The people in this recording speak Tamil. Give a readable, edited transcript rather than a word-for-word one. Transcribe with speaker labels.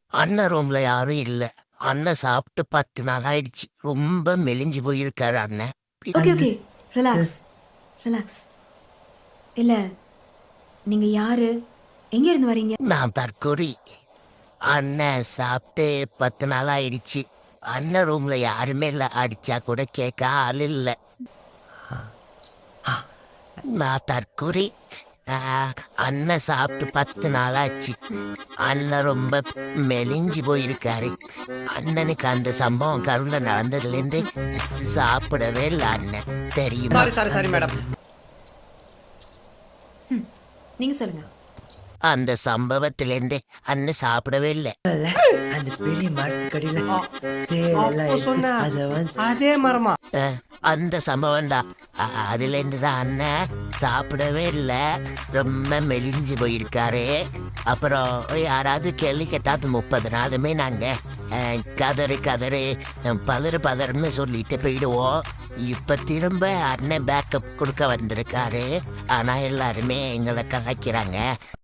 Speaker 1: அண்ணன் ரூம்ல யாரும் இல்ல. அண்ணன் சாப்பிட்டு 10 நாள் ஆயிடுச்சு. ரொம்ப மெலிஞ்சு போயிருக்காரு அண்ணன்.
Speaker 2: Okay okay, relax relax. இல்ல, நீங்க யாரு, எங்க இருந்து வரீங்க?
Speaker 1: நான் தற்கொலை. அண்ணன் சாப்பிட்டு 10 நாள் ஆயிடுச்சு. அண்ணன் ரூம்ல யாருமே இல்ல. அடிச்சா கூட கேட்க ஆள் இல்ல. நான் தற்கொலை. அண்ணன் சாப்பிட்டு 10 நாள் ஆச்சு. அண்ணன் ரொம்ப மெலிஞ்சு போயிருக்காரு. அண்ணனுக்கு அந்த சம்பவம் கருவில் நடந்ததுலேருந்து சாப்பிடவே இல்லை அண்ணன், தெரியுமா?
Speaker 3: Sorry madam.
Speaker 2: நீங்க சொல்லுங்க.
Speaker 1: அந்த சம்பவத்திலேருந்து அண்ணன் சாப்பிடவே இல்லை.
Speaker 4: அந்த பெரிய மரத்துக்கடியில
Speaker 3: அதே மரமா?
Speaker 1: அந்த சம்பவம் தான். அதுலேருந்து தான் அண்ணன் சாப்பிடவே இல்லை, ரொம்ப மெலிஞ்சு போயிருக்காரு. அப்புறம் யாராவது கேள்வி கேட்டாது 30 நாளுமே நாங்கள் கதறு கதறு பதறுன்னு சொல்லிட்டு போயிடுவோம். இப்போ திரும்ப அண்ணன் பேக்கப் கொடுக்க வந்திருக்காரு. ஆனால் எல்லாருமே எங்களை கலாய்க்கிறாங்க.